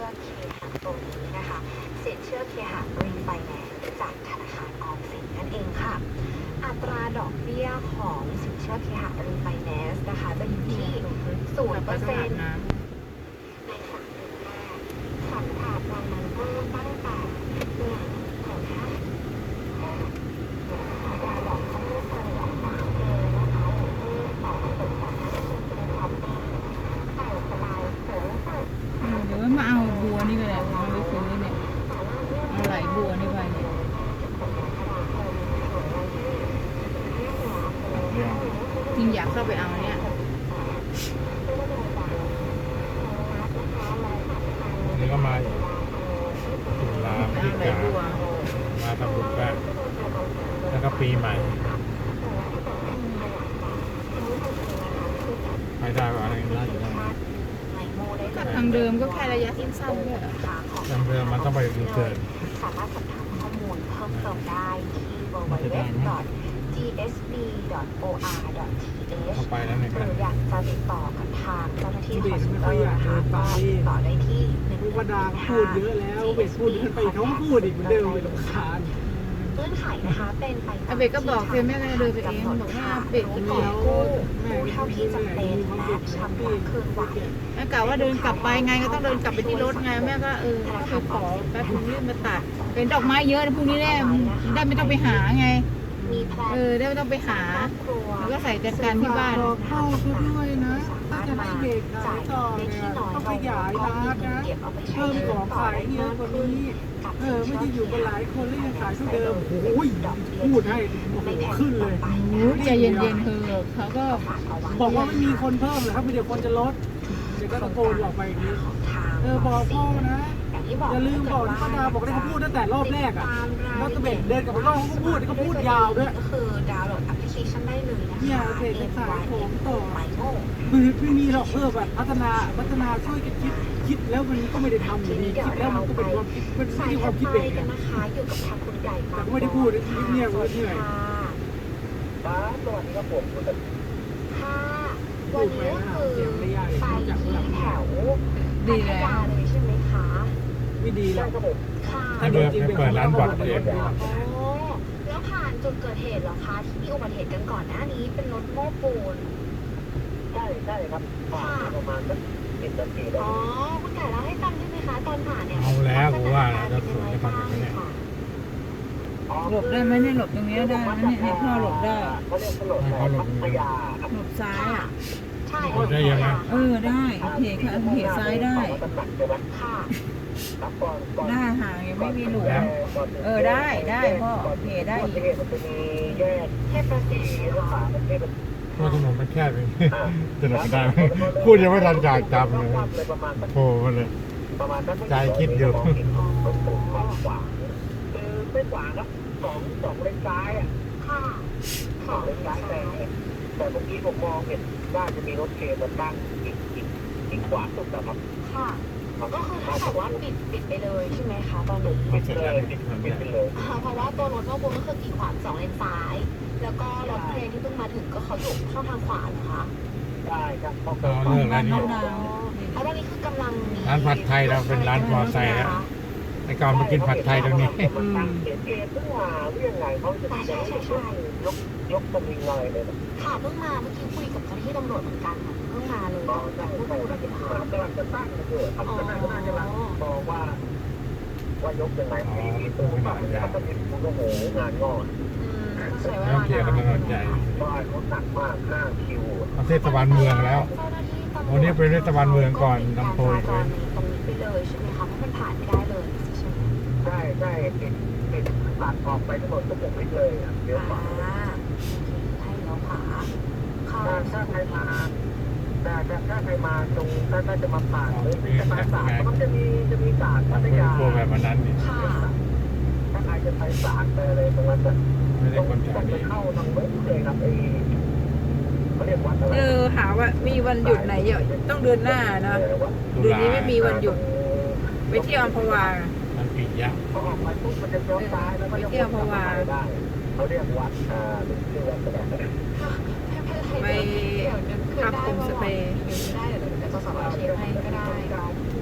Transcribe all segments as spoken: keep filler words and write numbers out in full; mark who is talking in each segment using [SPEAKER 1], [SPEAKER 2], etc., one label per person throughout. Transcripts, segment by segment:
[SPEAKER 1] เคหะตัวนี้นะคะสินเชื่อเคหะรีไฟแนนซ์จากธนาคารออมสินนั่นเองค่ะอัตราดอกเบี้ยของสินเชื่อเคหะรีไฟแนนซ์นะคะจะอยู่ที่ศูนย์เปอร์เซ็นต์ในสามเดือนแรกสัมผัสรายนั้นเพิ่มตั้งแต่หนึ่งถึงห้าอัตราดอกเบี้ยเฉลี่ยสามเดือนนะคะอยู่ที่สองจุดสามห้าเปอร์เซ็นต์ต่อปีแต่สบายสูงสุด
[SPEAKER 2] เดี๋ยวมาเอาบัวนี่ก็ได้เอาไปซื้อเนี่ยเอาไหลบัวนี่ไปเนี่ยจริงอยากเข้าไปเอาเนี่ย
[SPEAKER 3] นี่ก็มาอีกตุลาพฤศจิ
[SPEAKER 2] ไหล
[SPEAKER 3] กา
[SPEAKER 2] บัว
[SPEAKER 3] มาทำบุญบ้างแล้วก็ปีใหม่ไม่ได้ว่าอะไรได้อยู่ได้
[SPEAKER 2] ก็ทางเดิมก็แค่ระยะสั้นๆเนี่ย
[SPEAKER 3] จำเดิมมันต้องไปรีเทิร์น
[SPEAKER 1] สามารถสอบถามข้อมูลเพิ่มเติมได้ที่ ดับเบิลยู ดับเบิลยู ดับเบิลยู ดอท จี เอส บี ดอท โอ อาร์ ดอท ที เอช
[SPEAKER 3] เข้าไปแล้วเนี่ย
[SPEAKER 1] หรืออยากจะติดต่อกับทางเจ้าหน้าที่คอนซัลเตอร์นะคะก็ติดต่อได้ที่หนึ่ง
[SPEAKER 4] พูดว่าดาพูดเยอะแล้วเบสพูดเดินไปเขาก็พูดอีกเหมือนเดิมเลยรำคาญ
[SPEAKER 1] เงื่อนไขนะคะเป็นไปตาม
[SPEAKER 2] อาเบกก็บอกเพียงแม่ก็เดินไปเองบอกว่าเบก
[SPEAKER 1] ที่
[SPEAKER 2] เห
[SPEAKER 1] ข
[SPEAKER 2] นื่
[SPEAKER 1] อ
[SPEAKER 2] อย
[SPEAKER 1] กู้กู้เท่าที่จำเป็นและชำระคืนไหว
[SPEAKER 2] แม่กะว่าเดินกลับไปไงก็ต้องเดินกลับไปที่รถไงแม่ก็เออก็ไปขอแป๊บนึงรีบมาตัดเป็นดอกไม้เยอะนะพรุ่งนี้แน่ได้ไม่ต้องไปหาไง
[SPEAKER 1] มีแพลน
[SPEAKER 2] เออได้ไม่ต้องไปหา
[SPEAKER 1] ครอบครัว
[SPEAKER 2] แล้วก็ใส่จัดการที่บ้าน
[SPEAKER 4] บอกพ่อเขาด้วยนะถ้าจะให้เด็กขายต่อเนี่ยต้องขยายร้านนะเพิ่มของขายเยอะกว่านี้เออไม่ได้อยู่กันหลายคนแล้วยังขายเท่าเดิมโอ้ยพูดให้โอ้โหขึ้นเลย
[SPEAKER 2] โอ้ใจเย็นๆเธอเขาก็
[SPEAKER 4] บอกว่าไม่มีคนเพิ่มเหรอครับมีเดี๋ยวคนจะลดเดี๋ยวก็ตะโกนออกไปอย่างนี้เออบอกพ่อนะอย่าลืมบอกนะป้าดาบอกได้เขาพูดตั้งแต่รอบแรกอ่ะแล้วตะเบ็ดเดินกลับไปรอบเขาก็พูดเขาพูดยาวด้วย
[SPEAKER 1] ก็คือดาวน์โหลดแอปพลิเคชันได้เลยนะคะ
[SPEAKER 4] เนี่ยเพจจะขายของต่อ
[SPEAKER 1] ไมโม
[SPEAKER 4] คือไม่มีหรอกเออแบบพัฒนาพัฒนาช่วยกันคิดคิดแล้วมันก็ไม่ได้ทำอยู่ดีคิดแล้วมันก็เป็นความคิดเป็นไม่ใช่ความคิดเด็ก
[SPEAKER 1] กั
[SPEAKER 4] อะ
[SPEAKER 1] นนะคะอยู่กับทางคุณไก่
[SPEAKER 4] แต่ก็ไม่ได้พูดคิดเนี่ยว่าเหนื่อย
[SPEAKER 1] ค่ะสวัสดีครับผมค่ะวันนี้ก็คือไปที่แถว
[SPEAKER 2] ดี
[SPEAKER 1] พัท
[SPEAKER 2] แล้ว
[SPEAKER 1] ยาเลยใช่ไหมคะ
[SPEAKER 4] ไม่ดีแล้ว
[SPEAKER 1] ค่ะ
[SPEAKER 3] ให้เปิดให้เปิดร้านบอดเอง
[SPEAKER 1] อ๋อแล้วผ่านจุดเกิดเหตุเหรอคะที่มีอุบัติเหตุกันก่อนหน้านี้เป็นรถโม้ปูน
[SPEAKER 5] ใช่ใช่ครับผ่านประมาณสักสิบนาทีได้
[SPEAKER 1] อ๋อคุณไก่เล่าให้ฟังได้ไหมคะตอนผ่านเนี่ย
[SPEAKER 3] เอาแล้วกูว่าจะสวยจะทำอย่างนี้เนี่ย
[SPEAKER 2] หลบได้ไหมเนี่ยหลบตรงนี้ได้ไหมเนี่ยเนี่ยพ่อหลบได้
[SPEAKER 5] เขาเรียกถนนพัทยาครับ
[SPEAKER 2] หลบซ้ายอ่ะ
[SPEAKER 1] ใช่
[SPEAKER 3] หลบได้ยังไง
[SPEAKER 2] เออได้เหตุค่ะเหตุซ้ายได้
[SPEAKER 1] ค่ะ
[SPEAKER 5] ครับก่อนก่อน
[SPEAKER 2] หน้าห่างยังไม่มีหลุมเออได้ได้พ่อเหตุได้อีก
[SPEAKER 5] มันจะมีแยก
[SPEAKER 1] เทพประสิทธิ์
[SPEAKER 5] ที่รถไฟมันเทพ
[SPEAKER 3] เพราะถนนมันแคบเองจะหลบได้ไหมพูดยังไม่ทันจากจำเลย
[SPEAKER 5] เลยประมาณสัก
[SPEAKER 3] โผล่มาเลย
[SPEAKER 5] ประมาณนั้น
[SPEAKER 3] ใจคิดอยู่
[SPEAKER 5] มันสูงมากกว่าคือไม่กว่าครับสองสองเลนซ้ายอ่ะ
[SPEAKER 1] ค่ะ
[SPEAKER 5] สองเลนซ้ายแต่แต่เมื่อกี้ผมมองเห็นว่าจะมีรถเครนมาตั้งอีกอีกอีกขวาสุดนะครับ
[SPEAKER 1] ค่ะก็คือถ้าแต่ว่าปิดปิดไปเลยใช่ไหมคะตอนนี้
[SPEAKER 3] พอเสร็จแล้วปิดถนน
[SPEAKER 5] ปิด
[SPEAKER 3] ใหญ่
[SPEAKER 5] ไปเลย
[SPEAKER 1] เพราะว่าตัวรถโม้ปูนก็คือกีดขวางสองเลนซ้าย แล้วก็รถเครนที่เพิ่งมาถึงก็เขาอยู่ช่องทางขวาเหรอคะ
[SPEAKER 5] ใช่ครับเพราะ
[SPEAKER 3] ก็เลิกแล้วนี่
[SPEAKER 1] แล้วตอนนี้คือกำลังมี
[SPEAKER 3] ร้านผัดไทยเราเป็นร้านมอไซค์แล้วไอ้ก่อนมากินผัดไทยตรงนี้
[SPEAKER 5] มันตั้งเขตเขตเพิ่งมาเรื่องไงเขาจะจะยกยกตำลิงอะไรเลยนะ
[SPEAKER 1] ค่ะเพิ่งมาเมื่อกี้คุยกับเจ้าหน้าที่ตำรวจเหมือนกันค่ะเพิ่งมาเลย
[SPEAKER 5] ตอน
[SPEAKER 1] แต่
[SPEAKER 5] ตั้ง
[SPEAKER 1] เพิ่ง
[SPEAKER 5] ใจ
[SPEAKER 1] รู้ได้
[SPEAKER 5] จะ
[SPEAKER 1] เดี๋ยว
[SPEAKER 5] กำลังจะตั้งเกิดทำก็น่าก็น่าจะรังมองว่า ว่ายกยังไงมีตัวฝั่งนี้เขาจะมีผู้โอ้โหงานงอด
[SPEAKER 1] ใช้เว
[SPEAKER 3] ต้อ
[SPEAKER 1] ลาง
[SPEAKER 3] เคลียร์กันถนนใหญ่
[SPEAKER 5] บ้านเขาหนักมากห้าคิว
[SPEAKER 3] เอาเทศบาลเมืองแล้ว วันนี้เป็นเทศบาลเมืองก่อนลำโพงเลย
[SPEAKER 1] ตรงนี้ไปเลยใช่ไหมคะเพราะมันผ่านไม่ได้เลยใช่ไหม
[SPEAKER 5] ใช่ใช่ติดติดตัดออกไปถนนทุกวิถเลยอ่ะเดี๋ยวขวา
[SPEAKER 1] อ่าให้เลี้ยวขวาเข้า
[SPEAKER 5] ถ้าถ้าใครมาแต่ถ้าใครมาตรงถ้าถ้าจะมาผ่านหรือจะมาศาลมันจะมีจะมีศาลพัทยา
[SPEAKER 3] พวกแบบนั้นนี่
[SPEAKER 1] ค่ะ
[SPEAKER 5] ถ้าใครจะไปศาลไปอะไรตรงนั้นจะ
[SPEAKER 3] ไม่ได้
[SPEAKER 5] ต้อง
[SPEAKER 3] คนแถ
[SPEAKER 5] ต้
[SPEAKER 3] ว
[SPEAKER 5] องไป
[SPEAKER 3] นี้
[SPEAKER 5] เข้าทางเว็บเลยครับไอ้เขาเรียกวัดอะไร
[SPEAKER 2] เออหาว่ามีวันหยุดไหนเยอะต้องเดือนหน้านะ
[SPEAKER 3] ตุ
[SPEAKER 2] เดือน
[SPEAKER 3] ลา
[SPEAKER 2] นี้ไม่มีวันหยุดไปเที่ยวอัมพวา
[SPEAKER 3] มันปิดยะ
[SPEAKER 5] พอออกไปปุ๊บมันจะเลี้ยวซ้ายแล้วก็จะวนกลับมาได้เขาเรียกวัดอ่าหรือชื่อวัดก็ได้
[SPEAKER 2] ไปพักโฮมสเตย์
[SPEAKER 1] ไม่ได้เดี๋ยวเดี๋ยวจะสอบเช็คให้ก็ได้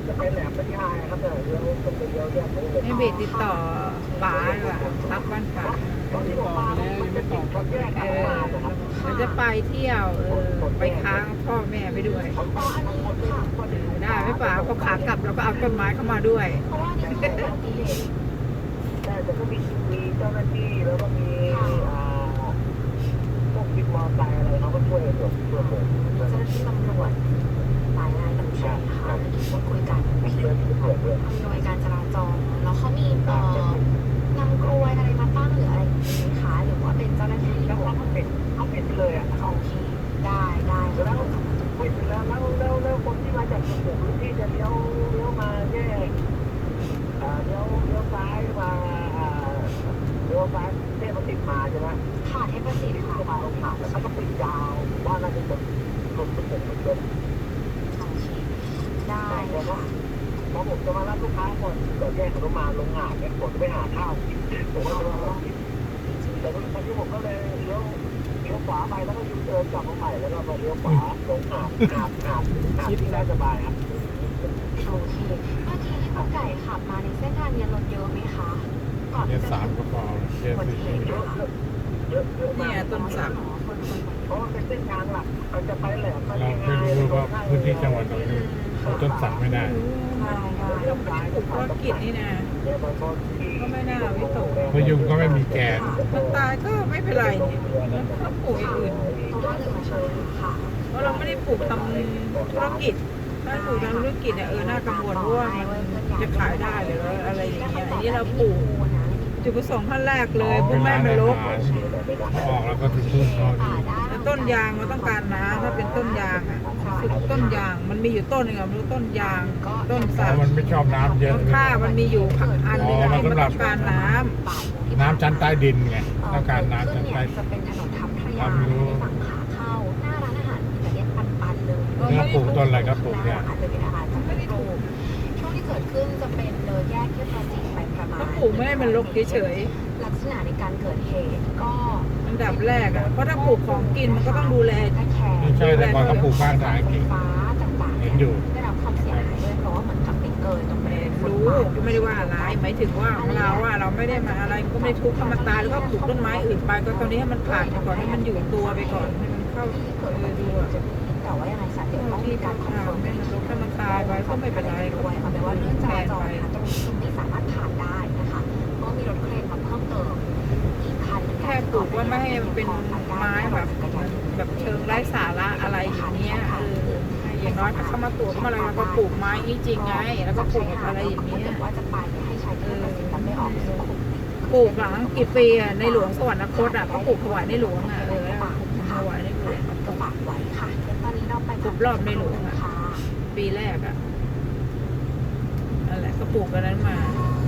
[SPEAKER 5] จะไปแหลมไม่ได้ครับแต่เลี้ยวตรงไปเลี้ยวแยกตรงเลย
[SPEAKER 2] ให้เบสติดต่อป๋าดีกว่ารับบ้านป๋า
[SPEAKER 5] ตอนที่ผมมาแล้วยังไม่ตอบเขาแยก
[SPEAKER 2] เอ
[SPEAKER 5] กัน
[SPEAKER 2] อ
[SPEAKER 5] มานะครับ
[SPEAKER 2] มันจะไปเที่ยวเออไปค้างพ่อแม่ไปด้วย
[SPEAKER 1] อ๋ออันนี้ค่ะ
[SPEAKER 2] ได้ไหมป๋าพอขากลับเราก็เอาต้นไม้เข้ามาด้วย
[SPEAKER 1] เพราะว่านี่คืออุบัติเหตุ
[SPEAKER 5] แต่จะก็มีมีเจ้าหน้าที่แล้วก็มีอ่าพวกวินมอเตอร์ไซค์อะไรเขาก็ช่วยช่วยช่วยผม
[SPEAKER 1] เจ้าหน้าที่ตำรวจหลายนายอยู่ใช่ไหมคะที่พูดคุยกัน
[SPEAKER 5] มีเจ้าหน้าที่ตำรวจด้วย
[SPEAKER 1] อำนวยการจราจรแล้วเขามีเอ่อนำกลวยอะไรมาตั้งหรืออะไรอย่างนี้ไหมคะหรือว่าเป็นเจ้าหน้าที่
[SPEAKER 5] แล้วเขาก็ปิดเขาปิดเลยอ่ะเขา
[SPEAKER 1] โอเคได้ได้
[SPEAKER 5] แล้วปิดแล้วแล้วแล้วแล้วคนที่มาจากสุขุมวิทที่จะเลี้ยวเลี้ยวมาแยกอ่าเลี้ยวเลี้ยวซ้ายมาอ่าเลี้ยวซ้ายเทพติดมาใช่ไหม
[SPEAKER 1] ค่ะเทพศิษย์ค่ะ
[SPEAKER 5] ก็มาลงผ่านแล้วก็ปิดยาวว่าน่าจะเป็นรถสุขุมวิทเลย
[SPEAKER 1] โอเคได้ค่ะ
[SPEAKER 5] พอผมจะมารับลูกค้าก่อนก่อนแยกเขามาลงหาดเนี่ยผมจะไปหาข้าวกินผมก็เลยมากินแต่ตอนที่ผมก็เลยเลี้ยวเลี้ยวขวาไปแล้วก็ยูเทิร์นกลับมาใหม่แล้วก็มาเลี้ยวขวาลงหาดหาดหาดหาดที่ได้สบายครับ
[SPEAKER 1] โอเคเมื่อกี้ที่คุณไก่ขับมาในเส้นทางเนี้รถเยอะไหมคะก่อน
[SPEAKER 3] เกีย
[SPEAKER 1] ที่
[SPEAKER 3] ร์
[SPEAKER 1] จะ
[SPEAKER 3] สามก็พอเกียร์
[SPEAKER 1] อุบัติ
[SPEAKER 3] สี่
[SPEAKER 1] เหตุ
[SPEAKER 5] เย
[SPEAKER 1] ค่ะ
[SPEAKER 5] อะเยอะเยอะมาก
[SPEAKER 2] เนี่ยต้นสัก
[SPEAKER 1] คนคน
[SPEAKER 5] เพราะว่าเป็นเส้นทางหลักมันจะไปแหลมมัน
[SPEAKER 3] เรา
[SPEAKER 5] ยังไง
[SPEAKER 3] ไม่รู้ว่าพื้นที่จังหวัดเราอยู่เราต้นสักไม่ได้
[SPEAKER 1] ได้ได้
[SPEAKER 2] เราไม่ได้ปลูกธุรกิจนี่นะ ก็ไม่น่าวิตก
[SPEAKER 3] พยุงก็ไม่มีแกน
[SPEAKER 2] มันตายก็ไม่เป็นไรเนี่ยแล้วก็ปลูกอย่างอื่น
[SPEAKER 1] เพราะว่าเหลือเชิญค่ะ
[SPEAKER 2] เพราะเราไม่ได้ปลูกทำธุรกิจ ถ้าปลูกทำธุรกิจเนี่ยเออน่ากังวลเพราะว่ามันจะขายได้หรืออะไรอย่างเงี้ยอันนี้เราปลูกจุดประสงค์ขั้นแรกเลยเพื่อไม่ให้มันรก
[SPEAKER 3] ออกแล้วก็ถึงทุ่นเขาดี
[SPEAKER 2] แล้วต้นยางมันต้องการน้ำถ้าเป็นต้นยางอ่ะคือต้นยางมันมีอยู่ต้นหนึงอะไม่รู้ต้นยาง ต้น
[SPEAKER 3] เพ
[SPEAKER 2] สัก
[SPEAKER 3] ราะมันไม่ชอบน้ำเยอะ
[SPEAKER 2] ต้นข้าวมันมีอยู่อันหนึงอะที่มันต้องการน้ำ
[SPEAKER 3] น้ำชั้นใต้ดินไงต้องการน้ำชั้นใต้ดิ
[SPEAKER 1] จะ
[SPEAKER 3] น
[SPEAKER 1] เป็นถนนทับทะยาในฝั่งขาเข้าหน้าร้านอาหารอิตาเลียนปันๆเลย
[SPEAKER 3] เนื้อปลูกต้นอะไรก็ปลูกเนี่ย
[SPEAKER 1] อาจจะเป็นอาหารจากไม่ได้ปลูกช่วงที่เกิดขึ้นจะเป็นเลยแยกเทพศิษย์ไปประมาณ
[SPEAKER 2] ก็ปลูกไม่ให้มันรกเฉย
[SPEAKER 1] ลักษณะในการเกิดเหตุก็
[SPEAKER 2] ๆอันดับแรกอ่ะเพราะถ้าปลูกของกินมันก็ต้องดูแล
[SPEAKER 3] ไม่ใช่แต่ก่อนเขาปลูกข้างทางจริง
[SPEAKER 1] ฟ้าต่างๆ
[SPEAKER 3] เห็นอยู่
[SPEAKER 1] ได้รับความเสียหายด้วยเพราะว่าเหมือนกับไปเกินตรงบริเวณฟุต
[SPEAKER 2] รู้
[SPEAKER 1] บาท
[SPEAKER 2] ก็ไม่ได้ว่าอะไรหมายถึงว่าของเราอ่ะเราไม่ได้มาอะไรก็ไม่ได้ทุบธรรมตายแล้วก็ปลูกต้นไม้อื่นไปก็ตอนนี้ให้มันผ่านไปก่อนให้มันอยู่ตัวไปก่อนให้มันเข้า
[SPEAKER 1] ที่เกิด
[SPEAKER 2] เอ
[SPEAKER 1] อุ
[SPEAKER 2] อ
[SPEAKER 1] บัติ
[SPEAKER 2] ดู
[SPEAKER 1] เหตุ
[SPEAKER 2] อ่ะ
[SPEAKER 1] จะมีแต่ว่ายังไงสัตว์เดี๋ยวต้องมีการคอนเฟิร์ม
[SPEAKER 2] ให้มันรกให้มันตายไปก็ไม่เป็นไรก็
[SPEAKER 1] ด้วยเอาเป็นว่าเรื่องจราจรนะคะตรงนี้คือไม่สามารถผ่านได้นะคะเพราะมีรถเครนมาเพิ่มเติมอีกคันหนึ่ง
[SPEAKER 2] แค่ปลูกว่าไม่ให้มันเป็นไม้แบบแบบเชิงไร้สาระอะไรอย่างเงี้ยเอออย่างน้อยถ้าเขามาตรวจมาอะไรเราก็ปลูกไม้จริงๆไงแล้วก็ปลูกอะไรอย่างเงี้ย
[SPEAKER 1] ว่าจะไปให้ใช้เทพศิษย์ไม่ออกสุขุมวิท
[SPEAKER 2] ปลูกหลังกี่ปีอ่ะในหลวงสวรรคตอ่ะก็ปลูกถวายในหลวงอ่ะเออแล้วถวายในหลวง
[SPEAKER 1] ก็ฝากไว้ค่ะเดี๋ยวตอนนี้เราไป
[SPEAKER 2] ครบรอบในหลวงอะ
[SPEAKER 1] ค่ะ
[SPEAKER 2] ปีแรกอ่ะนั่นแหละก็ปลูกกันนั้นมา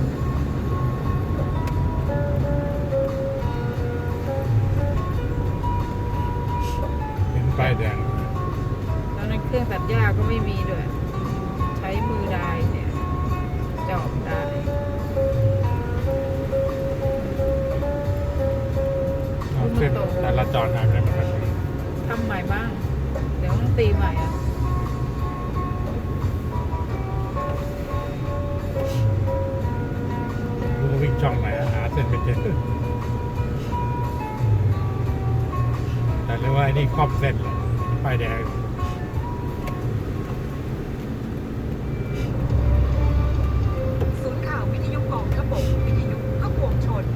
[SPEAKER 3] เป็นป้ายแดง
[SPEAKER 2] ตอนนั้นเครื่องตัดหญ้าก็ไม่มีด้วย ใช้มือได้เนี่ยจอบได้
[SPEAKER 3] เอาเส้นจราจรหายไปไหนหมดเลย
[SPEAKER 2] ทำใหม่บ้าง เดี๋ยวต้องตีใหม่อ่ะ
[SPEAKER 3] รู้ว่าวิ่งช่องไหนหาเส้นไม่เจอแต่เรียกว่าไอ้นี่ครอบเส้นเลยป้ายแดง
[SPEAKER 1] ศูนย์ข่าววิทยุกองทพบกวิทยุก็ปวงชน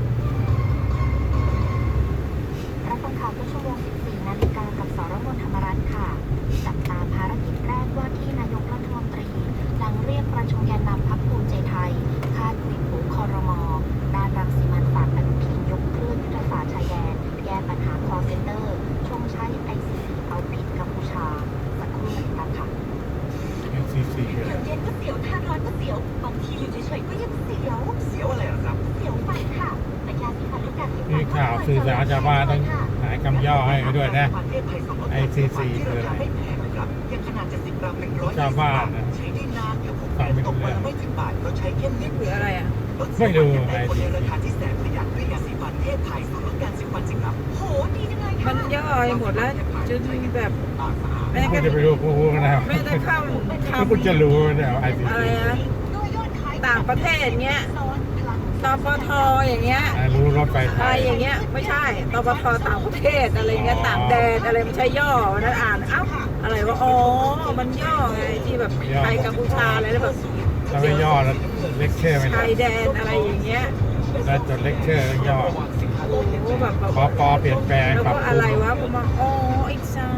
[SPEAKER 1] รับฟังข่าวทุกชั่วโมง สิบสี่ นาฬิกากับสรมนธรรมรัตน์ค่ะ จับตามภารกิจแรกว่าที่นายกรัฐมนตรี หลังเรียกประชุมแกนนำพรรคภูมิใจไทย คาดกลิ่นหูคอรมอด้านรังสีมันฝากอนุทินยกเครื่องยุทธศาสตร์ชายแดน แก้ปัญหา call center ชงใช้ ไอ ซี ซี เอาผิดกัมพูชา สักครู่หนึ่งค่ะ
[SPEAKER 3] เอ็นซีซีเลย
[SPEAKER 1] เย็นก็เสียวทานร้อนก็เสียว บางทีอยู่เฉยๆก็ยังเสียว
[SPEAKER 5] เสียวอะไรครับ
[SPEAKER 1] เสียวฟันค่ะ แต่ยาสีฟันลูกกัดที่ฟั
[SPEAKER 3] นี่ข่าวสื่อสารชาวบ้านต้องหายคำย่อให้เขาด้วยนะ ไอ ซี ซี คืออะไร
[SPEAKER 5] ไม่แพงนะครับยังขนาดเจ็ดสิบกรัมหนึ่งร้อย
[SPEAKER 3] ชาวบ้านนะ
[SPEAKER 5] ใช้ได้นานเดี๋ยวผม
[SPEAKER 3] ฟังไม่รู้
[SPEAKER 5] ตก
[SPEAKER 3] เรื่
[SPEAKER 5] วั
[SPEAKER 3] อน ง
[SPEAKER 5] ละไม่ถึงบาทเราใช้เข้มนิด
[SPEAKER 2] หรืออะไรอ่ะ
[SPEAKER 3] ไม่ดู
[SPEAKER 5] ไอ
[SPEAKER 3] ไอ
[SPEAKER 5] ซี
[SPEAKER 3] ซี
[SPEAKER 5] ในรา
[SPEAKER 3] ซี
[SPEAKER 5] คาที่แสนประหยัดด้วยยาสีฟันเทพไทยสูตรลดการสิบวันสิครับ
[SPEAKER 1] โห ดีจังเลย
[SPEAKER 2] มันย่อยหมดแล้วจนแบบแม้
[SPEAKER 3] คุ
[SPEAKER 2] ก
[SPEAKER 3] ณ
[SPEAKER 2] ระ
[SPEAKER 3] จะไปรู้กูรู้นะ
[SPEAKER 2] แม้กระทั่งค
[SPEAKER 3] ถ้าคุณจะรู้เนี่ยไอซี
[SPEAKER 2] ำอะไร
[SPEAKER 3] ซี
[SPEAKER 2] นะต่างประเทศเงี้ยตปทอย่างเงี้ย
[SPEAKER 3] รู้รถไฟไท
[SPEAKER 2] อะไร
[SPEAKER 3] ย
[SPEAKER 2] อย่างเงี้ยไม่ใช่ตปทต่างประเทศอะไรเงี้ยต่างแดนอะไรไม่ใช่ย่อนั้นอ่านเอ้าอะไรวะอ๋อมันย่อไงที่แบบไทยกัมพูชาอะไรแล้วแบบ
[SPEAKER 3] ถ้าไม่ย่อแล้วเลคเชอร์ไม่ได้
[SPEAKER 2] ชายแดนอะไรอย่างเงี้ย
[SPEAKER 3] ถ้าจดเลคเชอร์ต้องย่อ
[SPEAKER 2] โอ้โหแบบแบบ
[SPEAKER 3] ปอปอเปลี่ยนแปลง
[SPEAKER 2] แล้ว
[SPEAKER 3] ปรับ
[SPEAKER 2] ก็
[SPEAKER 3] ป
[SPEAKER 2] อะ
[SPEAKER 3] รุ
[SPEAKER 2] ไรง วะผมบอกอ๋ออีกซ้าย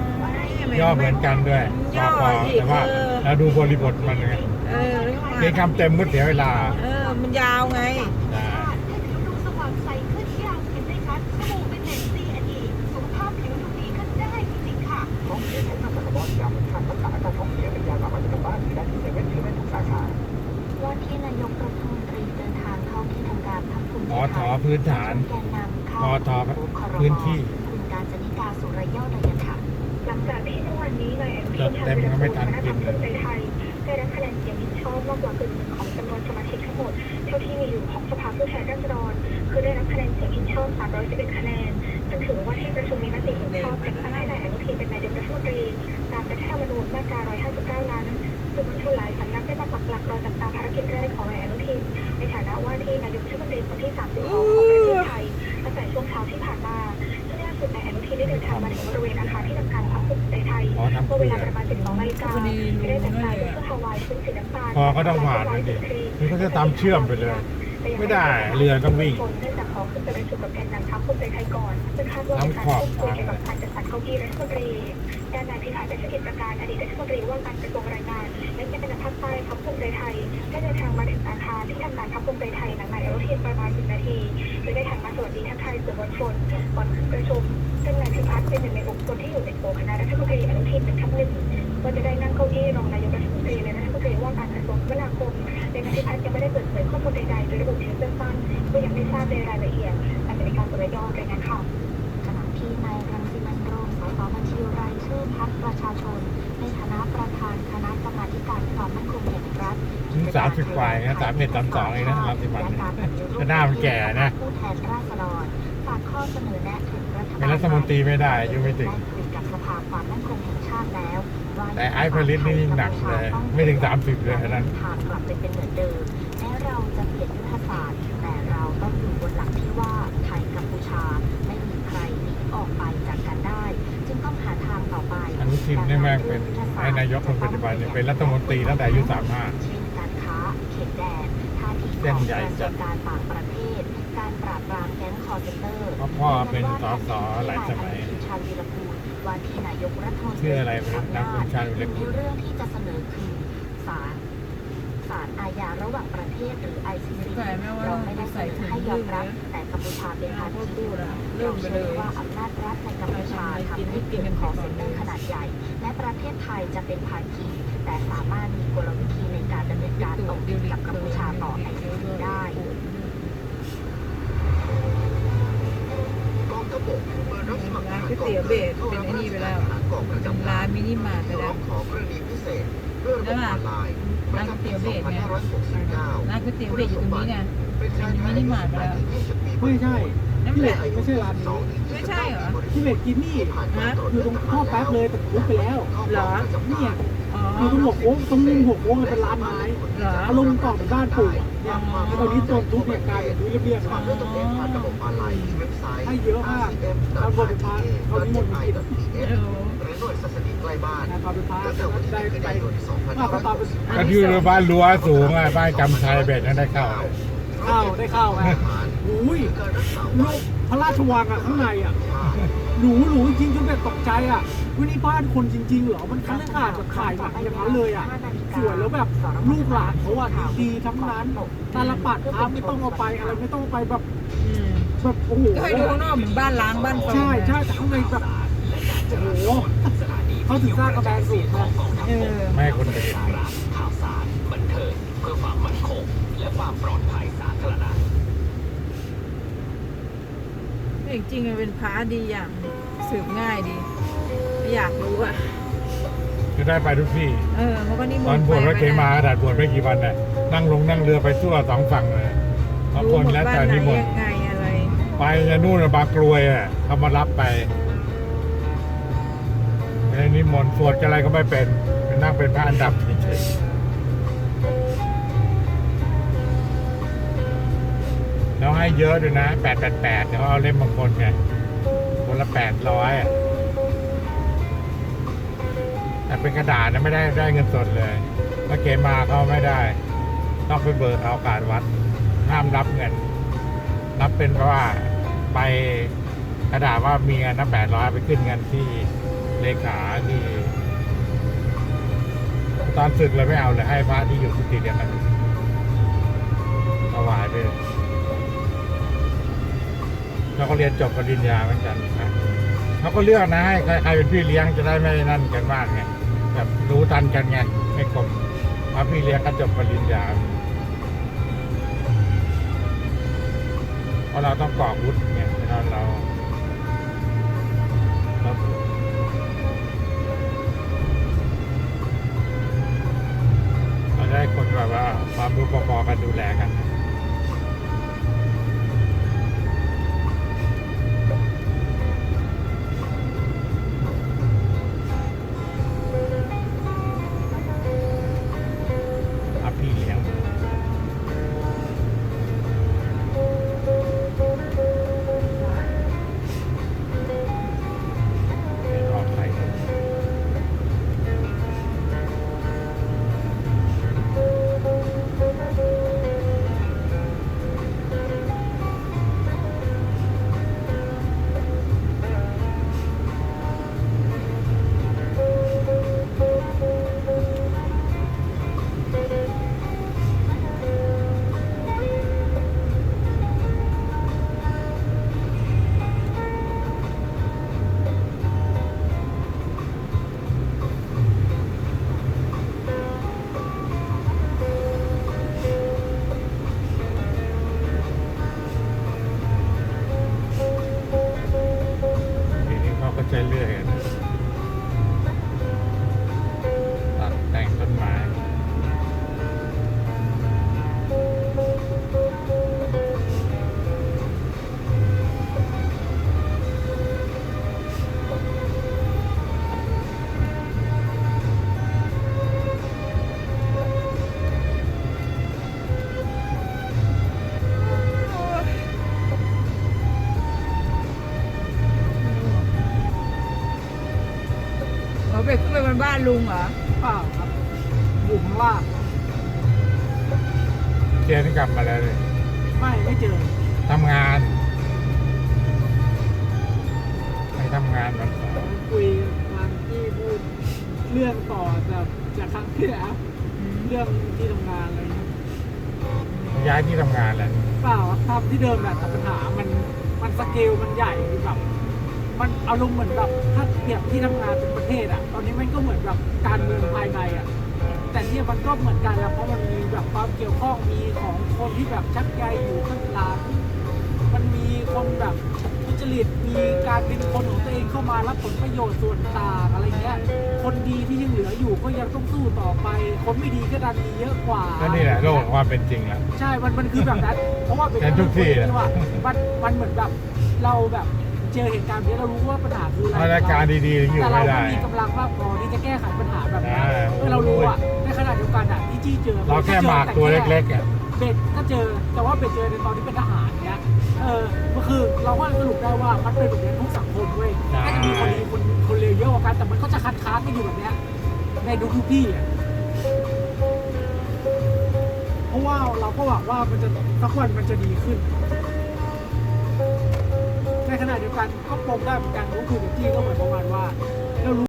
[SPEAKER 3] ย่อเหมือนกันด้วยปอปอแต่ว่าเราดูบริบทมันไง
[SPEAKER 2] เออแล้วก็
[SPEAKER 3] เรียนคำเต็มมุดเสียเวลา
[SPEAKER 2] เออมันยาวไง
[SPEAKER 3] อ่า
[SPEAKER 1] ดูสว่างใสขึ้นที่เราเห็นได้ชัดสบู่เป็นเน็ตซีอันดีสุขภาพผิวดูดีขึ้นได้จริงๆค่ะ
[SPEAKER 5] ท้องเสียใช้น้ำมันกระบอกยาเป็นทางรักษาอาการท้องเสียเป็นยาสามัญประจำบ้านมีได้ที่เซเว่นหรือไม่ทุกสาขา
[SPEAKER 1] ว่าที่นายกรัฐมนตรีเดินทางเข้าที่ทำการพรรคภูมิใจ
[SPEAKER 3] อ
[SPEAKER 1] ไท
[SPEAKER 3] ทอย พื้นฐาน
[SPEAKER 1] แกนนำเข้า
[SPEAKER 3] ปอทอพื้นที่
[SPEAKER 1] คุณการจนิกาสุรยอดเลยกันค่ะ หลังจากที่เมื่อวานนี้นายอนุทิน
[SPEAKER 3] จดเต็มก็ไม่ทันกินเลย
[SPEAKER 1] ภูมิใจไทยได้รับคะแนนเสียงเห็นชอบมากกว่ากึ่งหนึ่งของจำนวนสมาชิกทั้งหมดเท่าที่มีอยู่ของสภาผู้แทนราษฎรคือได้รับคะแนนเสียงเห็นชอบสามร้อยสิบเอ็ดคะแนนจึงถือว่าที่ประชุมมีมติเห็นชอบแต่งตั้งให้นายอนุทินเป็นนายกรัฐมนตรีตามรัฐธรรมนูญมาตราหนึ่งร้อยห้าสิบเก้านั้นสื่อมวลชนหลายสำนักได้มาปักหลักรอจับตาภารกิจแรกของนายอนุทินในฐานะว่าที่นายกรัฐมนตรีคนที่สามสิบสองของประเทศไทยตั้งแต่ช่วงเช้าที่ผ่านมาซึ่งล่าสุดนายอนุทินได้เดินทางมาถึงบริเวณอาคารที่ทำการพรรคภูมิใจไทย
[SPEAKER 3] อ๋อทำ
[SPEAKER 1] เมื่อ
[SPEAKER 3] เพื่
[SPEAKER 1] เว
[SPEAKER 3] อ
[SPEAKER 1] ลาประมาณสิบสองนาฬิกาไม่ได้แต่งกายด้วยเสื้อฮาวายชุดสีน้ำตาล
[SPEAKER 3] พอก็ต้องผ่านนั่นดิคือเขาจะตามเชื่อมไปเลย ไม่ได้เรือต้องวิ่ง
[SPEAKER 1] เนื่องจากขอขึ้นไปประชุมกับแกนนำพรรคภูมิใจไทยก่อนซึ่งคาดว่าเป็นการพูดคุยเกี่ยวกับการจัดสรรเก้าอี้รัฐมนตรีด้านนายพิพัฒน์เศรษฐกิจประการอดีตรัฐมนตรีว่าการกระทรวงแรงงานและแกนนำภาคใต้พรรคภูมิใจไทยได้เดินทางมาถึงอาคารที่ทำการพรรคภูมิใจไทยหลังนายอนุทินประมาณสิบนาทีโดยได้หันมาสวัสดีทักทายสื่อมวลชนก่อนขึ้นประชุมซึ่งนายพิพัฒน์เป็นหนึ่งในบุคคลที่อยู่ในโผคณะรัฐมนตรีอนุทินเป็นทัพหนึ่งว่าจะได้นั่งเก้าอี้รองนายกรัฐมนตรีและรัฐมนตรีว่าการกระทรวงคมนาคมโดยนายพิพัฒน์ยังไม่ได้เปิดเผยข้อมูลใดๆโดยระบุเพียงสั้นๆก็ยังไม่ทราบในรายละเอียดแต่เป็นการสุรยอดรายงานข่าวขณะที่นายรังสิมันต์โรมสสบัญชีรายชื่อพรรคประชาชนในฐานะประธานคณะกรรมาธิการความมั่นคงแห่งรัฐ
[SPEAKER 3] ถึงสามสิบกว่าเองนะสามเอ็ดสามสองเองนะรังสิมันต์ก็หน้ามันแก่นะ
[SPEAKER 1] ผู้แทนราษฎรฝากข้อเสนอแนะถึงรัฐบาล
[SPEAKER 3] เป็นรัฐมนตรีไม่ได้อายุไม่ถึง
[SPEAKER 1] ได้คุยกับสภาความมั่นคงแห่งชาติแล้วว่า
[SPEAKER 3] แต่ไอ้ผลิตนี่ยิ่งหนักเลยไม่ถึงสามสิบเลยนั้น
[SPEAKER 1] ทางกลับไปเป็นเหมือนเดิมแม้เราจะเปลี่ยนยุทธศาสตร์แต่เราต้องอยู่บนหลักที่ว่าไทยกัมพูชาไม่มีใครหนีออกไปจากกันได้ จึงต้องหาทางต่อไป
[SPEAKER 3] อนุทินนี่แม่งเป็นไอ้นายกคนปัจจุบันเนี่ยเป็นรัฐมนตรีตั้งแต่อายุสามห้า
[SPEAKER 1] เช่นการค้าเขตแดนท่าที
[SPEAKER 3] เส้
[SPEAKER 1] ข
[SPEAKER 3] น
[SPEAKER 1] อง
[SPEAKER 3] ใหญ่
[SPEAKER 1] กระทร
[SPEAKER 3] จั
[SPEAKER 1] ว
[SPEAKER 3] ด
[SPEAKER 1] งการต่างประเทศ การปราบปรามแก๊งคอร์เซนเตอร์
[SPEAKER 3] เพราะพ่อเป็นสสหลายสมัย
[SPEAKER 1] ชาญวีรกูลว่าที่นายกรัฐมนตรี
[SPEAKER 3] ชื่ออะไรไม่รู้นางคุณชาญวีรกูล
[SPEAKER 1] เรื่องที่จะเสนอคือศาลศาลอาญาระหว่างประเทศหรือ ไอ ซี ซี
[SPEAKER 2] ใส่ไหมว่า
[SPEAKER 1] เราไม่ได้เสนอให้ยอมรับแต่กัมพูชาเป็นภา
[SPEAKER 2] ก็
[SPEAKER 1] คี
[SPEAKER 2] พูดอะเริ่
[SPEAKER 1] เรา
[SPEAKER 2] มไปเล
[SPEAKER 1] เชื่อย ว่าอำนาจรัฐในกัมพูชาทำให้เกิดคอร์เซนเตอร์ขนาดใหญ่ และประเทศไทยจะเป็นภาคี แต่สามารถมีกลวิธีในการดำเนินการตกติดกับกัมพูชาต่อ ไอ ซี ซี ได้
[SPEAKER 5] กองทัพบกเปิดรับสมัคร
[SPEAKER 2] ร้านก๋วยเตี๋ยวเบสเป็นไอ้นี่ไปแล้ว
[SPEAKER 5] กองประ
[SPEAKER 2] เป็น
[SPEAKER 5] จำ
[SPEAKER 2] ร้านมินิมาร์ทไป
[SPEAKER 5] ร้
[SPEAKER 2] แล้
[SPEAKER 5] อ
[SPEAKER 2] ว
[SPEAKER 5] งขอกรณีพิเศษด้วยระบบออนไลน์ประจำปีสองพันห้าร้อยหกสิบเก้า
[SPEAKER 2] ร้านก๋วยเตี๋ยวเบสอยู่ตรงนี้ไง
[SPEAKER 5] เป็นชายไทย
[SPEAKER 2] มินิมาร์ทไปแล้ว
[SPEAKER 4] ไม่ใช่
[SPEAKER 2] นั่น
[SPEAKER 4] พี่
[SPEAKER 2] แห
[SPEAKER 4] เล็
[SPEAKER 2] ละ
[SPEAKER 4] กไม่ใช่ร้านนี้
[SPEAKER 2] ไม่ใช่เหรอ
[SPEAKER 4] พี่เล็กกินนี่
[SPEAKER 2] ฮะ
[SPEAKER 4] อยู่ตรงข้อแป๊บเลยแต่ทุบไปแล้ว
[SPEAKER 2] เหรอ
[SPEAKER 4] เนี่ย
[SPEAKER 2] อ๋อ
[SPEAKER 4] อยู่ตรงหัวโค้งตรงมุมหัวโค้งเป็นร้านไม้
[SPEAKER 2] เหรอ
[SPEAKER 4] อารมณ์ก่อนเป็นบ้านปู่อะเนี่ยแล้วตอนนี้โดนทุบเนี่ยกลายเป็นทุบเรียบๆ
[SPEAKER 5] ฝา
[SPEAKER 4] แล้
[SPEAKER 5] ก
[SPEAKER 4] ว
[SPEAKER 5] ด้วยตัวเองผ่านระบบออนไลน์ที่เว็บไซต์
[SPEAKER 4] ให้เยอะมากเอาบริพารเอานิมนต์มากิน
[SPEAKER 2] เออ
[SPEAKER 5] หรือหน่วยศาสนีใกล้บ้าน
[SPEAKER 4] นะตอนเป็นพระ
[SPEAKER 5] ตั้งแต่วันที่
[SPEAKER 4] ได้
[SPEAKER 5] หนึ่งกัน
[SPEAKER 4] ไป
[SPEAKER 5] ยายนสองพัน
[SPEAKER 4] ว่า
[SPEAKER 5] ห้าร้
[SPEAKER 4] ก็
[SPEAKER 5] อย
[SPEAKER 4] ตอนเป็น
[SPEAKER 3] ก็อยู่บ้านรั้วสูงอ่ะบ้านกำชัยเบ็ดนั่นได้เข้า
[SPEAKER 4] เข้าได้เข้าไงอุ้ย
[SPEAKER 5] การรักษา
[SPEAKER 4] ลูกพระราชวังอ่ะข้างในอ่ะหรูหรูจริงๆจนแบบตกใจอ่ะว่านี่บ้านคนจริงๆเหรอมันคันขาดแบบถ่ายหนังอย่างนั้นเลยอ่ะสวยแล้วแบบลูกหลานเขาอ่ะดีๆทั้งนั้นตาลปัดครับไม่ต้องเอาไปอะไรไม่ต้องเอาไปแบบ
[SPEAKER 2] อืม
[SPEAKER 4] แบบโอ้โห
[SPEAKER 2] ก็ให้ดูข้างนอกเหมือนบ้านล้างบ้านเฟิร์น
[SPEAKER 4] ใช่ใช่แต่ข้างในแบบโอ้โหเขาถึงสร้างกระแบงสูงนะ
[SPEAKER 2] เออ
[SPEAKER 3] ไม่ให้คนไปเห็น
[SPEAKER 5] ข่าวสารบันเทิงเพื่อความมั่นคงและความปลอดภัยสาธารณะ
[SPEAKER 2] จริงๆมันเป็นพระดีอย่างสืบง่ายดีไม่อยากรู้อ่ะ
[SPEAKER 3] จะได้ไปทุกที่
[SPEAKER 2] เออมันก็นิม
[SPEAKER 3] ตอน
[SPEAKER 2] นต์
[SPEAKER 3] บวชพระ
[SPEAKER 2] ไป
[SPEAKER 3] เขมาดัดบวชไม่กี่วันน่ะนั่งลงนั่งเรือไปทั่วสองฝั่งเลยบางคนแล้วแต่นิมนต์
[SPEAKER 2] ยังไงอะไร
[SPEAKER 3] ไปจะนู่นน่ะบางกรวยอ่ะเขามารับไปในนี้มนต์สวดอะไรก็ไม่เป็นเป็นนั่งเป็นพระอันดับเฉยๆแล้วให้เยอะด้วยนะแปดแปดแปดเดี๋ยวเอาเล่มบางคนไงคนละแปดร้อยอ่ะแต่เป็นกระดาษนะไม่ได้ได้เงินสดเลยถ้าเกมาเขาไม่ได้ต้องไปเบิกเอาการวัดห้ามรับเงินรับเป็นเพราะว่าไปกระดาษว่ามีเงินนะแปดร้อยไปขึ้นเงินที่เลขาที่ตอนศึกเลยไม่เอาเลยให้พระที่อยู่กุฏิเดียวกันถวายไปเลยแล้วก็เรียนจบปริญญาเหมือนกันนะเขาก็เลือกนะให้ใครใครเป็นพี่เลี้ยงจะได้ไม่นั่นกันมากไงแบบรู้ทันกันไงไม่กลมพระพี่เลี้ยงก็จบปริญญาเพราะเราต้องกรอกวุฒิไงฉะนั้นเราเราเราได้คนแบบว่าความรู้พอๆกันดูแลกันพระพี่เลี้ยงไม่ออกใครครับทีนี้เขาก็ใช้เรื่อยกันตัดแต่งต้นไม้
[SPEAKER 2] เราไปขึ้นไปบนบ้านลุงเหรอ
[SPEAKER 4] เปล่าครับอยู่ข้างล่าง
[SPEAKER 3] เจนกลับมาแล้วเลย
[SPEAKER 4] ไม่ไม่เจอ
[SPEAKER 3] ทำงานไปทำงานวันเสาร์
[SPEAKER 4] คุยวันที่พูดเรื่องต่อจากจากครั้งที่แล้วเรื่องที่ทำงานอะไรอย่างเงี้ย
[SPEAKER 3] ย้ายที่ทำงานแล้ว
[SPEAKER 4] เปล่าครับทำที่เดิมแหละแต่ปัญหามันมันสเกลมันใหญ่แบบมันอารมณ์เหมือนแบบถ้าเปรียบที่ทำงานเป็นประเทศอ่ะตอนนี้มันก็เหมือนแบบการเมืองภายในอ่ะแต่เนี่ยมันก็เหมือนกันแล้วเพราะมันมีแบบความเกี่ยวข้องมีของคนที่แบบชักใยอยู่ข้างหลังมันมีคนแบบทุจริตมีการเป็นคนของตัวเองเข้ามารับผลประโยชน์ส่วนต่างอะไรเงี้ยคนดีที่ยังเหลืออยู่ก็ยังต้องสู้ต่อไปคนไม่ดีก็ดันมีเยอะกว่า
[SPEAKER 3] ก็นี่แหละโลกของความเป็นจริงแล้ว
[SPEAKER 4] ใช่ มัน มันคือแบบนั้น เพราะว่าเป็น
[SPEAKER 3] เป็นทุกที่แหละ
[SPEAKER 4] ว่ามัน มันเหมือนแบบ เราแบบเจอเหตุการณ์นี้เรารู้ว่าปัญหาคืออะไร
[SPEAKER 3] มาตรการดีๆอยู่
[SPEAKER 4] แต่เรา
[SPEAKER 3] ไม่ได้
[SPEAKER 4] ไม่มีกำลังมากพอที่จะแก้ไขปัญหาแบบนี้
[SPEAKER 3] ใช่
[SPEAKER 4] เออเรารู้อ่ะ ในขณะเดียวกันอ่ะที่จี้เจอ
[SPEAKER 3] เราแค่หมากตัวเล็กๆอ่ะ
[SPEAKER 4] ๆเบ็ดก็เจอ แต่ว่าเบ็ดเจอในตอนที่เป็นทหารเนี้ย เออมันคือเราก็สรุปได้ว่ามันเป็นแบบนี้ทุกสังคมเว้ย
[SPEAKER 3] ใช่
[SPEAKER 4] ก็จะมีคนดีคนคนเลวเยอะกว่ากัน แต่มันก็จะคัดค้านกันอยู่แบบเนี้ยในทุกๆที่อ่ะ เพราะว่าเราก็หวังว่ามันจะสักวันมันจะดีขึ้น ในขณะเดียวกันก็ปมได้เหมือนกันก็คือเด็กจี้ก็เหมือนประมาณว่าเรารู้